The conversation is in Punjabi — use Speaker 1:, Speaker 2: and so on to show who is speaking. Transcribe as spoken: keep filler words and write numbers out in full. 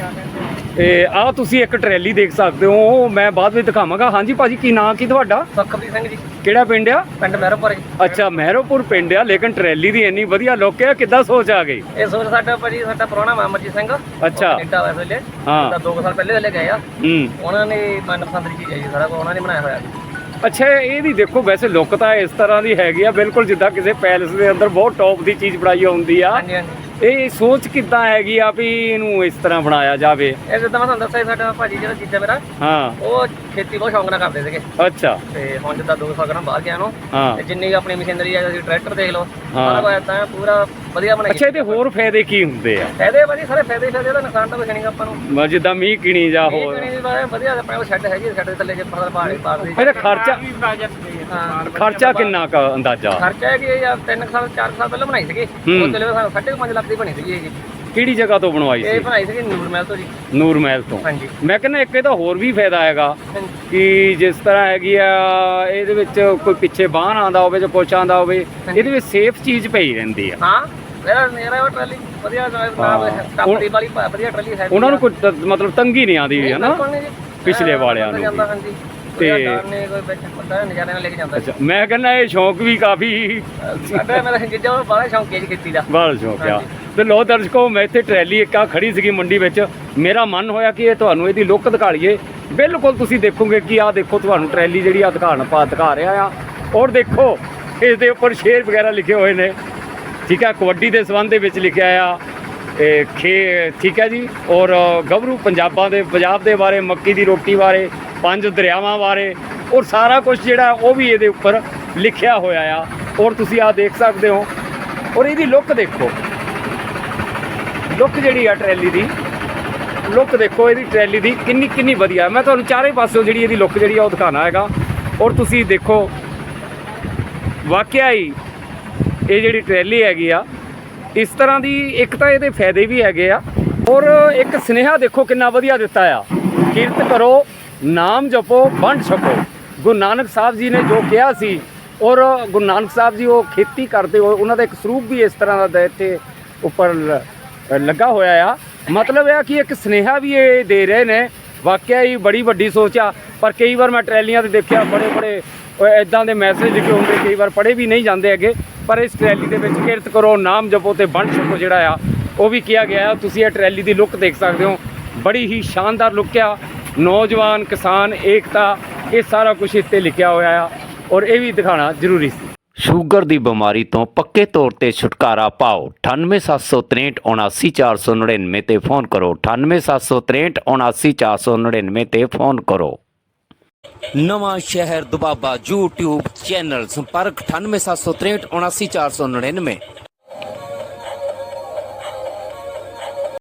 Speaker 1: ਤੇ ਆਹ ਤੁਸੀਂ ਇੱਕ ਟਰੈਲੀ ਦੇਖ ਸਕਦੇ ਹੋ, ਮੈਂ ਬਾਅਦ ਵਿੱਚ ਦਿਖਾਵਾਂਗਾ। ਹਾਂਜੀ ਭਾਜੀ, ਕੀ ਨਾਂ ਕੀ ਤੁਹਾਡਾ?
Speaker 2: ਸੁਖਪ੍ਰੀਤ ਸਿੰਘ ਜੀ,
Speaker 1: ਕਿਹੜਾ ਪਿੰਡ ਆ?
Speaker 2: ਪਿੰਡ ਮਹਿਰੋਪੁਰ ਜੀ।
Speaker 1: ਅੱਛਾ, ਮਹਿਰੋਪੁਰ ਪਿੰਡ ਆ, ਲੇਕਿਨ ਟਰੈਲੀ ਦੀ ਇੰਨੀ ਵਧੀਆ ਲੁੱਕ ਆ, ਕਿੱਦਾਂ ਸੋਚ ਆ ਗਈ?
Speaker 2: ਇਹ ਸੋਚ ਸਾਡਾ ਭਾਜੀ, ਸਾਡਾ ਪੁਰਾਣਾ ਅਮਰਜੀਤ ਸਿੰਘ
Speaker 1: ਅੱਛਾ।
Speaker 2: ਕੈਨੇਡਾ ਵਾਲੇ ਵੇਲੇ,
Speaker 1: ਹਾਂ।
Speaker 2: ਤਾਂ ਦੋ ਸਾਲ ਪਹਿਲੇ ਵੇਲੇ ਗਏ ਆ।
Speaker 1: ਹੂੰ।
Speaker 2: ਉਹਨਾਂ ਨੇ ਮਨਪਸੰਦ ਦੀ ਚੀਜ਼ ਹੈ ਜੀ, ਸਾਰਾ ਕੁਝ ਉਹਨਾਂ ਨੇ ਬਣਾਇਆ ਹੋਇਆ ਜੀ।
Speaker 1: ਅੱਛਾ, ਇਹਦੀ ਦੇਖੋ ਵੈਸੇ ਲੁੱਕ ਤਾਂ ਇਸ ਤਰ੍ਹਾਂ ਦੀ ਹੈਗੀ ਆ, ਬਿਲਕੁਲ ਜਿੱਦਾਂ ਕਿਸੇ ਪੈਲਸ ਦੇ ਅੰਦਰ ਬਹੁਤ ਟੌਪ ਦੀ ਚੀਜ਼ ਬਣਾਈ ਹੁੰਦੀ ਆ।
Speaker 2: ਹਾਂਜੀ ਹਾਂਜੀ।
Speaker 1: ਇਹ ਸੋਚ ਕਿੱਦਾਂ ਹੈਗੀ ਆ ਵੀ ਇਹਨੂੰ ਇਸ ਤਰ੍ਹਾਂ ਬਣਾਇਆ ਜਾਵੇ?
Speaker 2: ਇਹ ਜਿੱਦਾਂ ਮੈਂ ਤੁਹਾਨੂੰ ਦੱਸਿਆ, ਸਾਡਾ ਭਾਜੀ ਜਿਹੜਾ ਜੀਜਾ ਮੇਰਾ,
Speaker 1: ਹਾਂ,
Speaker 2: ਉਹ ਖੇਤੀ ਬਹੁਤ ਸ਼ੌਂਕ ਨਾਲ ਕਰਦੇ ਸੀਗੇ।
Speaker 1: ਅੱਛਾ।
Speaker 2: ਤੇ ਹੁਣ ਜਿੱਦਾਂ ਦੋ ਸਾਲ ਕਰਾਂ ਬਾਹਰ ਗਿਆ ਨੂੰ,
Speaker 1: ਹਾਂ।
Speaker 2: ਤੇ ਜਿੰਨੀ ਆਪਣੀ ਮਸ਼ੀਨਰੀ ਆ, ਤੁਸੀਂ ਟਰੈਕਟਰ ਦੇਖ ਲਓ,
Speaker 1: ਹਾਂ।
Speaker 2: ਸਾਰਾ ਕੁਝ ਏਦਾਂ ਪੂਰਾ ਵਧੀਆ ਬਣਾਇਆ।
Speaker 1: ਅੱਛਾ, ਇਹਦੇ ਹੋਰ ਫਾਇਦੇ ਕੀ ਹੁੰਦੇ ਆ?
Speaker 2: ਫਾਇਦੇ ਭਾਜੀ ਸਾਰੇ ਫਾਇਦੇ ਹੀ ਫਾਇਦੇ, ਦਾ ਨੁਕਸਾਨ ਤਾਂ ਕੁਛ ਨਹੀਂ ਆਪਾਂ ਨੂੰ।
Speaker 1: ਮ ਜਿੱਦਾਂ ਮੀਂਹ ਕਿਣੀ ਜਾਂ
Speaker 2: ਇਹ
Speaker 1: ਹੋਰ
Speaker 2: ਕਣੀ ਦੀ ਬਾਰੇ ਵਧੀਆ, ਆਪਣੇ ਕੋਲ ਸ਼ੈੱਡ ਹੈਗੀ, ਸ਼ੈੱਡ ਦੇ ਥੱਲੇ ਜੇ ਫਸਲ ਪਾ ਲਈ ਪਾਰ ਦੀ।
Speaker 1: ਇਹਦਾ ਖਰਚਾ
Speaker 2: ਹਾਂ।
Speaker 1: ਖਰਚਾ ਕਿੰਨਾ ਕੁ ਅੰਦਾਜ਼ਾ?
Speaker 2: ਖਰਚਾ ਹੈ ਕਿ ਇਹ ਯਾਰ ਤਿੰਨ ਕੁ ਸਾਲ ਚਾਰ ਕੁ ਸਾਲ ਪਹਿਲਾਂ ਬਣਾਈ ਸੀਗੀ,
Speaker 1: ਹੂੰ।
Speaker 2: ਉਹ ਚਲੇ ਸਾਨੂੰ ਸਾਢੇ ਕੁ ਪੰਜ ਲੱਖ ਦੀ ਬਣੀ ਸੀਗੀ ਇਹ।
Speaker 1: ਕਿਹੜੀ ਜਗ੍ਹਾ ਤੋਂ ਬਣਵਾਈ
Speaker 2: ਇਹ
Speaker 1: ਸੀ?
Speaker 2: ਬਣਾਈ ਸੀਗੀ ਨੂਰ ਮਹਿਲ ਤੋਂ ਜੀ।
Speaker 1: ਨੂਰ ਮਹਿਲ ਤੋਂ।
Speaker 2: ਹਾਂਜੀ।
Speaker 1: ਮੈਂ ਕਹਿੰਦਾ ਇੱਕ ਇਹਦਾ ਹੋਰ ਵੀ ਫਾਇਦਾ ਹੈਗਾ
Speaker 2: ਹਾਂਜੀ।
Speaker 1: ਕਿ ਜਿਸ ਤਰ੍ਹਾਂ ਹੈਗੀ ਆ, ਇਹਦੇ ਵਿੱਚ ਕੋਈ ਪਿੱਛੇ ਬਾਹਨ ਆਉਂਦਾ ਹੋਵੇ ਜਾਂ ਕੁਛ ਆਉਂਦਾ ਹੋਵੇ, ਇਹਦੇ ਵਿੱਚ ਸੇਫ ਚੀਜ਼ ਪਈ ਰਹਿੰਦੀ ਆ।
Speaker 2: ਹਾਂ, ਮੇਰਾ ਮੇਰਾ ਉਹ ਟਰਾਲੀ ਵਧੀਆ ਨਾਮ ਟੱਪਦੀ ਵਾਲੀ ਵਧੀਆ ਟਰਾਲੀ ਹੈ।
Speaker 1: ਉਹਨਾਂ ਨੂੰ ਕੋਈ ਤ- ਮਤਲਬ ਤੰਗੀ ਨਹੀਂ ਆਉਂਦੀ ਹੈ ਨਾ
Speaker 2: ਬਿਲਕੁਲ ਨਹੀਂ ਜੀ।
Speaker 1: ਪਿਛਲੇ ਵਾਲਿਆਂ ਨੂੰ
Speaker 2: ਜਾਂਦਾ।
Speaker 1: ਵੀ।
Speaker 2: ਹਾਂਜੀ।
Speaker 1: ਤੇ-
Speaker 2: ਤੇ ਨੇ ਕੋਈ ਵਿੱਚ ਬੰਦਾ ਨਜ਼ਾਰੇ ਨਾਲ ਲੈ ਕੇ ਜਾਂਦਾ।
Speaker 1: ਅੱਛਾ, ਮੈਂ ਕਹਿੰਦਾ ਇਹ ਸ਼ੌਂਕ ਵੀ ਕਾਫੀ
Speaker 2: ਸਾਡਾ ਮੇਰਾ ਜਿੱਜਾ ਉਹ ਬੜਾ ਸ਼ੌਂਕ ਹੈ ਜੀ ਖੇਤੀ ਦਾ।
Speaker 1: ਬੜਾ ਸ਼ੌਂਕ ਆ।
Speaker 2: ਹਾਂਜੀ।
Speaker 1: ਤੇ ਲੋ ਦਰਸ਼ਕੋ, ਮੈਂ ਇੱਥੇ ਟਰੈਲੀ ਇੱਕ ਆ ਖੜੀ ਸੀਗੀ ਮੰਡੀ ਵਿੱਚ, ਮੇਰਾ ਮਨ ਹੋਇਆ ਕਿ ਇਹ ਤੁਹਾਨੂੰ ਇਹਦੀ ਲੁੱਕ ਦਿਖਾ ਲਈਏ। ਬਿਲਕੁਲ ਤੁਸੀਂ ਦੇਖੋਗੇ ਕਿ ਆਹ ਦੇਖੋ, ਤੁਹਾਨੂੰ ਟਰੈਲੀ ਜਿਹੜੀ ਆ ਦਿਖਾਣ ਪਾ ਦਿਖਾ ਰਿਹਾ ਆ। ਔਰ ਦੇਖੋ ਇਸ ਦੇ ਉੱਪਰ ਸ਼ੇਰ ਵਗੈਰਾ ਲਿਖੇ ਹੋਏ ਨੇ, ਠੀਕ ਹੈ, ਕਬੱਡੀ ਦੇ ਸੰਬੰਧ ਦੇ ਵਿੱਚ ਲਿਖਿਆ ਆ ਇਹ ਖੇ, ਠੀਕ ਹੈ ਜੀ। ਔਰ ਗੱਭਰੂ ਪੰਜਾਬਾਂ ਦੇ ਪੰਜਾਬ ਦੇ ਬਾਰੇ, ਮੱਕੀ ਦੀ ਰੋਟੀ ਬਾਰੇ, ਪੰਜ ਦਰਿਆਵਾਂ ਬਾਰੇ, ਔਰ ਸਾਰਾ ਕੁਝ ਜਿਹੜਾ ਉਹ ਵੀ ਇਹਦੇ ਉੱਪਰ ਲਿਖਿਆ ਹੋਇਆ ਆ। ਔਰ ਤੁਸੀਂ ਆਹ ਦੇਖ ਸਕਦੇ ਹੋ। ਔਰ ਇਹਦੀ ਲੁੱਕ ਦੇਖੋ, ਲੁੱਕ ਜਿਹੜੀ ਆ ਟਰੈਲੀ ਦੀ, ਲੁੱਕ ਦੇਖੋ ਇਹਦੀ ਟਰੈਲੀ ਦੀ ਕਿੰਨੀ ਕਿੰਨੀ ਵਧੀਆ। ਮੈਂ ਤੁਹਾਨੂੰ ਚਾਰੇ ਪਾਸਿਓਂ ਜਿਹੜੀ ਇਹਦੀ ਲੁੱਕ ਜਿਹੜੀ ਆ ਉਹ ਦਿਖਾਣਾ ਹੈਗਾ। ਔਰ ਤੁਸੀਂ ਦੇਖੋ, ਵਾਕਿਆ ਹੀ ਇਹ ਜਿਹੜੀ ਟਰੈਲੀ ਹੈਗੀ ਆ, ਇਸ ਤਰ੍ਹਾਂ ਦੀ ਇੱਕ ਤਾਂ ਇਹਦੇ ਫਾਇਦੇ ਵੀ ਹੈਗੇ ਆ, ਔਰ ਇੱਕ ਸੁਨੇਹਾ ਦੇਖੋ ਕਿੰਨਾ ਵਧੀਆ ਦਿੱਤਾ ਆ। ਕਿਰਤ ਕਰੋ, ਨਾਮ ਜਪੋ, ਵੰਡ ਛਕੋ। ਗੁਰੂ ਨਾਨਕ ਸਾਹਿਬ ਜੀ ਨੇ ਜੋ ਕਿਹਾ ਸੀ, ਔਰ ਗੁਰੂ ਨਾਨਕ ਸਾਹਿਬ ਜੀ ਉਹ ਖੇਤੀ ਕਰਦੇ ਹੋਏ ਉਹਨਾਂ ਦਾ ਇੱਕ ਸਰੂਪ ਵੀ ਇਸ ਤਰ੍ਹਾਂ ਦਾ ਇੱਥੇ ਉੱਪਰ ਲੱਗਾ ਹੋਇਆ ਆ। ਮਤਲਬ ਇਹ ਕਿ ਇੱਕ ਸੁਨੇਹਾ ਵੀ ਇਹ ਦੇ ਰਹੇ ਨੇ। ਵਾਕਿਆ ਹੀ ਬੜੀ ਵੱਡੀ ਸੋਚ ਆ। ਪਰ ਕਈ ਵਾਰ ਮੈਂ ਟਰੈਲੀਆਂ 'ਤੇ ਦੇਖਿਆ ਬੜੇ ਬੜੇ ਇੱਦਾਂ ਦੇ ਮੈਸੇਜ ਲਿਖੇ ਹੁੰਦੇ, ਕਈ ਵਾਰ ਪੜ੍ਹੇ ਵੀ ਨਹੀਂ ਜਾਂਦੇ ਹੈਗੇ। ਪਰ ਇਸ ਟਰੈਲੀ ਦੇ ਵਿੱਚ ਕਿਰਤ ਕਰੋ, ਨਾਮ ਜਪੋ ਤੇ ਵੰਡ ਛਕੋ ਜਿਹੜਾ ਆ ਉਹ ਵੀ ਕਿਹਾ ਗਿਆ। ਤੁਸੀਂ ਇਹ ਟਰੈਲੀ ਦੀ ਲੁੱਕ ਦੇਖ ਸਕਦੇ ਹੋ, ਬੜੀ ਹੀ ਸ਼ਾਨਦਾਰ ਲੁੱਕ ਆ। ਨੌਜਵਾਨ ਕਿਸਾਨ ਏਕਤਾ, ਇਹ ਸਾਰਾ ਕੁਝ ਇੱਥੇ ਲਿਖਿਆ ਹੋਇਆ ਆ, ਔਰ ਇਹ ਵੀ ਦਿਖਾਉਣਾ ਜ਼ਰੂਰੀ ਸੀ। ਸ਼ੂਗਰ ਦੀ ਬਿਮਾਰੀ ਤੋਂ ਪੱਕੇ ਤੌਰ ਤੇ ਛੁਟਕਾਰਾ ਪਾਓ। ਅਠਾਨਵੇਂ ਸੱਤ ਸੌ ਤਰੇਂਹਠ ਉਨਾਸੀ ਚਾਰ ਸੌ ਨੜਿਨਵੇਂ ਤੇ ਫੋਨ ਕਰੋ। ਅਠਾਨਵੇਂ ਸੱਤ ਸੌ ਤਰੇਂਹਠ ਉਨਾਸੀ ਚਾਰ ਸੌ ਨੜਿਨਵੇਂ ਤੇ ਫੋਨ ਕਰੋ। ਨਵਾਂ ਸ਼ਹਿਰ ਦੁਬਾਬਾ YouTube ਚੈਨਲ, ਸੰਪਰਕ ਅਠਾਨਵੇਂ ਸੱਤ ਸੌ ਤਰੇਂਹਠ ਉਨਾਸੀ ਚਾਰ ਸੌ ਨੜਿਨਵੇਂ।